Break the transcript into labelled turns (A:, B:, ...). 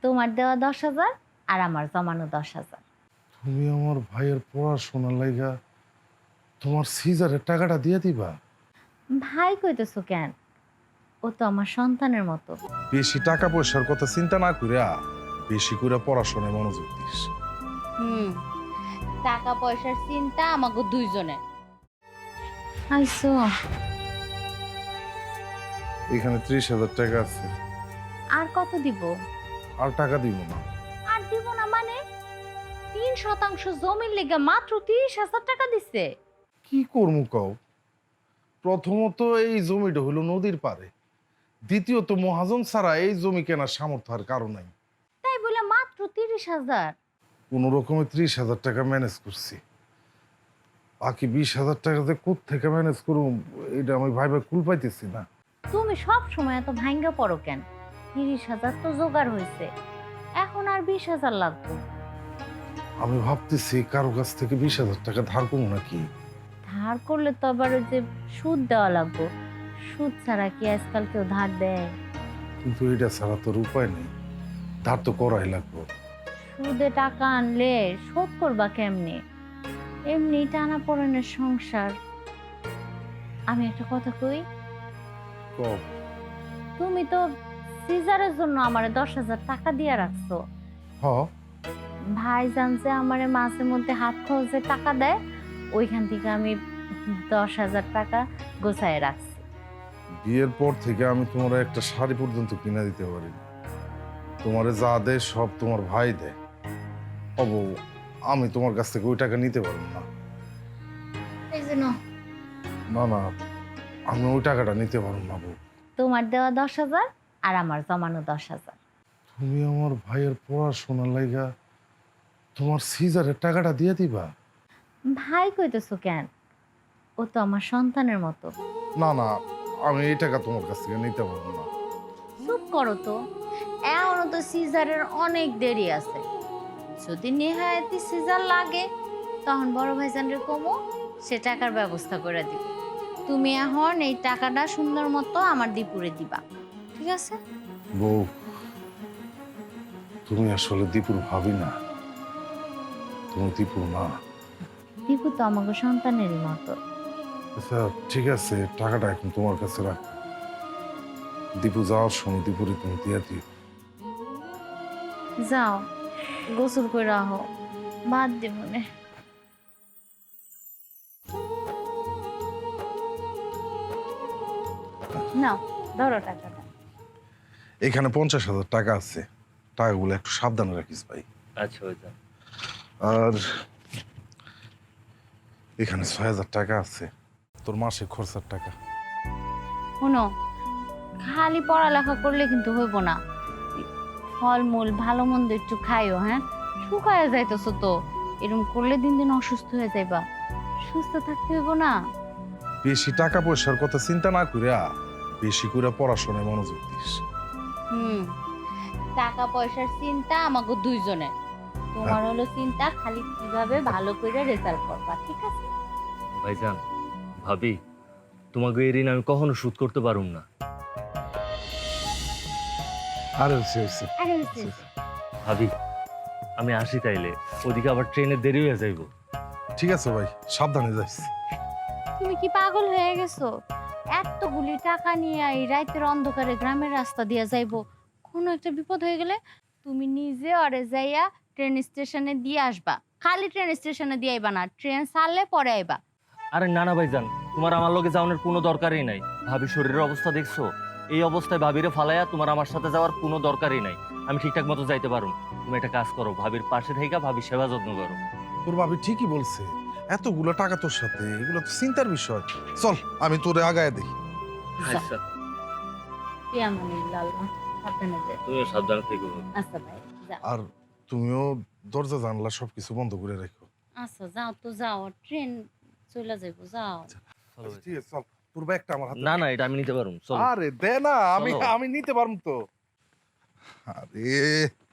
A: তোমার দেওয়া 10,000 আর আমার জমানো 10,000।
B: তুমি আমার ভাইয়ের পড়াশোনার লাইগা তোমার সিজারের টাকাটা দিয়ে দিবা?
A: ভাই কইতেছো কেন? ও তো আমার সন্তানের মতো।
B: বেশি টাকা পয়সার কথা চিন্তা না কইরা বেশি করে পড়াশোনায় মনোযোগ দিস।
A: হুম, টাকা পয়সার চিন্তা আমাকে দুইজনের। আইসো।
B: এখানে 30,000 টাকা আছে।
A: আর কত দিব?
B: আর টাকা দিব না।
A: আর দিব না মানে? 3% জমির লেগে মাত্র 30,000 টাকা দিছে।
B: কি করমু কও? প্রথমত এই জমিটা হলো নদীর পারে, দ্বিতীয়ত মহাজন ছাড়া এই জমি কেনার সামর্থ্য আর কারো নাই।
A: তাই বলে মাত্র 30,000?
B: কোনো রকমে 30,000 টাকা ম্যানেজ করছি। বাকি 20,000 টাকা যে কোত্থেকে ম্যানেজ করুম এটা আমি ভাইবা কুল পাইতেছি না।
A: তুমি সব সময় এত ভাঙ্গা পড়ো কেন? 30,000 তো জোগাড় হয়েছে, এখন আর 20,000 লাগবে।
B: আমি ভাবতেছি কারো কাছ থেকে 20,000 টাকা ধার করবো নাকি।
A: ধার করলে তো আবার ওই যে সুদ দেওয়া লাগবে। সুদ ছাড়া কি আজকাল কেউ ধার দেয়?
B: কিন্তু এটা ছাড়া তোর উপায় নেই, ধার তো করাই লাগবে।
A: সুদে টাকা আনলে শোধ করবা কেমনে? এমনি টানা পড়েনের সংসার। আমি একটা কথা কই,
B: কও।
A: তুমি তো সিজারের জন্য আমারে 10,000 টাকা দিয়ে রাখছো।
B: হ,
A: ভাই জানছে আমারে মাঝে মধ্যে হাত খরচে টাকা দেয়, ওইখান থেকে আমি 10,000 টাকা গোছায় রাখছি।
B: বিয়ের পর থেকে আমি তোমার একটা শাড়ি পর্যন্ত কিনা দিতে পারি। তোমারে যা দেয় সব তোমার ভাই দেয়। অব আমি তোমার কাছ থেকে ওই টাকা নিতে পারবো না।
A: এই জন্য
B: না না, আমি ওই টাকাটা নিতে পারবো না বউ।
A: তোমার দেওয়া 10,000 আর আমার জমানো 10,000।
B: তুমি আমার ভাইয়ের পড়াশোনার লাইগা তোমার সিজারের টাকাটা দিয়ে দিবা?
A: ভাই কইতেছো কেন? ও তো আমার সন্তানের মতো।
B: না না, আমি এই টাকা তোমার কাছ থেকে নিতে পারবো না।
A: চুপ করো তো, এখনো তো সিজারের অনেক দেরি আছে। যদি নেহায়েতি সিজার লাগে তখন বড় ভাইজানরে কমো, সে টাকার ব্যবস্থা করে দিব। তুমি এখন এই টাকাটা সুন্দর মতো আমার দীপুরে দিবা, ঠিক আছে?
B: বউ, তুমি আসলে দীপুর ভাবি না, তুমি দীপুর না।
A: দীপু তো আমাকে সন্তানেরই মতো।
B: আচ্ছা ঠিক আছে, টাকাটা এখন তোমার কাছে রাখ। দীপু যাওয়ার সময় দীপুরে তুমি দিয়ে দিও।
A: যাও, গোসল করে রাখো, ভাত দিব নে। নাও, ধরো টাকাটা।
B: এখানে 50,000 টাকা আছে, টাকাগুলো একটু সাবধানে রাখিস ভাই।
C: আচ্ছা ভাইজান।
B: আর এখানে 6,000 টাকা আছে, তোর মাসে খরচার টাকা।
A: শোনো, খালি পড়ালেখা করলে কিন্তু হইব না। ফলমূল ভালো মন্দ একটু খাইও, হ্যাঁ? শুকায় যাইতেছো তো, এরকম করলে দিন দিন অসুস্থ হয়ে যাইবা। সুস্থ থাকতে হইব না?
B: বেশি টাকা পয়সার কথা চিন্তা না করিয়া বেশি করে পড়াশোনায় মনোযোগ দিস।
A: হুম, টাকা পয়সার চিন্তা আমাকে দুইজনের। তোমার হলো চিন্তা খালি কিভাবে ভালো করে রেজাল্ট করবা, ঠিক আছে?
C: ভাইজান, ভাবি, তোমাকে এই ঋণ আমি কখনো শোধ করতে পারুম না।
B: আরে হইছে।
A: আরে হইছে।
C: ভাবি, আমি আসি তাইলে, ওদিকে আবার ট্রেনের দেরি হয়ে যাইব।
B: ঠিক আছে ভাই, সাবধানে যাইস।
A: তুমি কি পাগল হয়ে গেছো? এতগুলি টাকা নিয়ে এই রাতের অন্ধকারে গ্রামের রাস্তা দিয়ে যাইবো, কোনো একটা বিপদ হয়ে গেলে তুমি নিজে অরে যাইয়া ট্রেন স্টেশনে দিয়ে আসবা। খালি ট্রেন স্টেশনে দিয়ে আইবা না, ট্রেন ছাড়লে পরে আইবা।
C: আরে না না ভাইজান, তোমার আমার লগে যাওয়ানোর কোনো দরকারই নাই। ভাবি শরীরের অবস্থা দেখছো? এই অবস্থায় ভাবিরে ফালাইয়া তোমার আমার সাথে যাওয়ার কোনো দরকারই নাই। আমি ঠিকঠাক মতো যাইতে পারুম। তুমি একটা কাজ করো, ভাবির পাশে থেকে ভাবির সেবা যত্ন করো।
B: তোর ভাবি ঠিকই বলছে, এতগুলো টাকা তোর সাথে, এগুলো তো চিন্তার বিষয়। চল আমি তোরে আগায় দিই।
C: আচ্ছা,
A: ইয়ামানিল্লাহ, সাবধানে যাও।
C: তুমিও সাবধানে থেকো।
A: আচ্ছা ভাই, যাও।
B: আর তুমিও দরজা জানলা সবকিছু বন্ধ করে রাখো।
A: আচ্ছা যাও তো, যাও, ট্রেন চলে যাইবো, যাও।
C: চলো ভাই।
B: ঠিক আছে চল, তোর ব্যাগটা আমার হাতে।
C: না না, এটা আমি নিতে পারুম, চলো।
B: আরে দে না, আমি
C: চলো।
B: আমি নিতে পারবো তো। আরে